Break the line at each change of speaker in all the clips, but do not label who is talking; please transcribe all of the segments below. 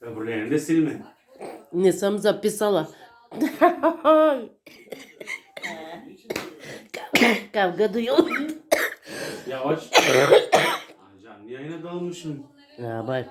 Öbürlerini de silme.
Ne samza pisala. Kavga duyuyor.
Yavaş. Canlı yayına dalmışım.
Ya bay.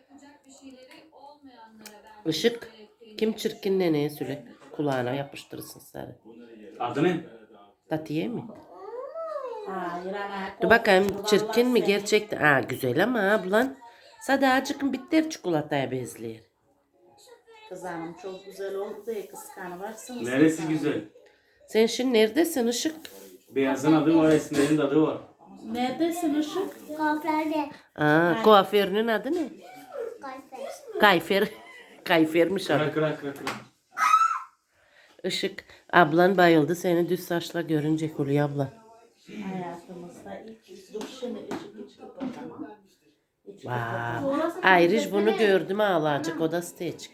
Işık. Kim çirkin neneye söyle. Kulağına yapıştırırsın sarı.
Adı ne?
Tatiye mi?
Hayır ana.
Dur bakayım çirkin mi gerçekten? Aa güzel ama ablan. Sadacık bitter çikolataya bezliyor.
Kız hanım çok güzel oldu diye kıskanıvarsınız.
Neresi güzel?
Sen şimdi neredesin Işık?
Beyazın adı var, esmerin de adı var.
Neredesin Işık?
Kuaförde.
Aa kuaförünün adı ne?
Kuaför.
Kayfer. Kayfermiş adı.
Kıra kıra.
Işık. Ablan bayıldı seni düz saçla görünce Hulya abla.
Hayatımızda ilk dur şimdi Işık hiç kapatamam.
Wow. Ayrıca bunu gördüm ağlayacak o da steçik.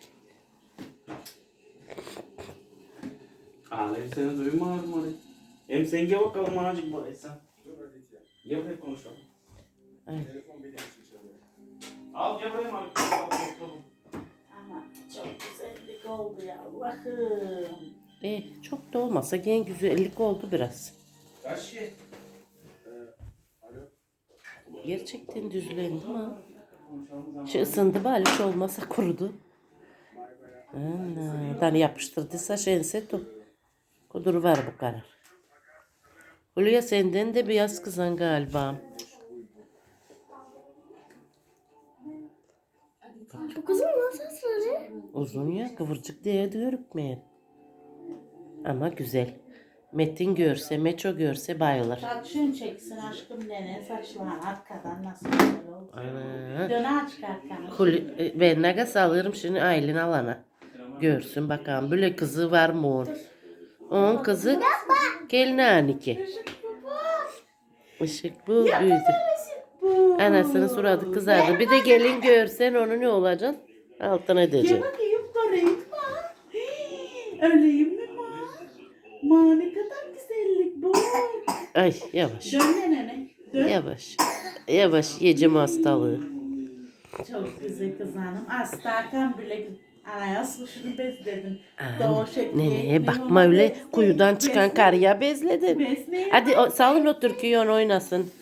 Ağlayıp seni duymadım orayı. Hem sen gel bakalım azıcık buraya sen. Gel buraya konuşalım.
Ay.
Al gel buraya abi.
Ama çok güzellik oldu ya Allah'ım.
Çok da olmasa gene güzellik oldu biraz.
Kaç şey?
Gerçekten düzlendi mi? Şu ısındı bari hiç olmasa kurudu. Ana, tane yapıştırdıysa şense tu. Kudur var bu kadar. Hulya senden de beyaz kızan galiba.
Bu kızın nasıl sarı?
Uzun ya kıvırcık diye de görükmeyen. Ama güzel. Metin görse, Meço görse bayılır.
Saçın çeksin aşkım nene saçlarını arkadan nasıl güzel oldu.
Ana.
Döne aç arkanı.
Ben nagas alırım şimdi Aylin alana. Görsün bakalım böyle kızı var mı onun? Onun kızı gelin aniki. Işık bu büyüdü. Anasının suratı kızardı. Bir de gelin görsen onu ne olacaksın? Altına
Gel
edeceksin.
bakayım koreyim ma. Öyleyim mi ma? Ma ne kadar güzellik bu.
Ay yavaş.
Dön nene. Dön.
Yavaş. Yavaş yiyeceğim hastalığı.
Çok güzel kız hanım. Astarkan bile anaya suşunu bezledin.
Aa,
Doğu şekli.
Neneye bakma öyle kuyudan çıkan karıya bezledin.
Besleyin.
Hadi salın o türküyü oynasın.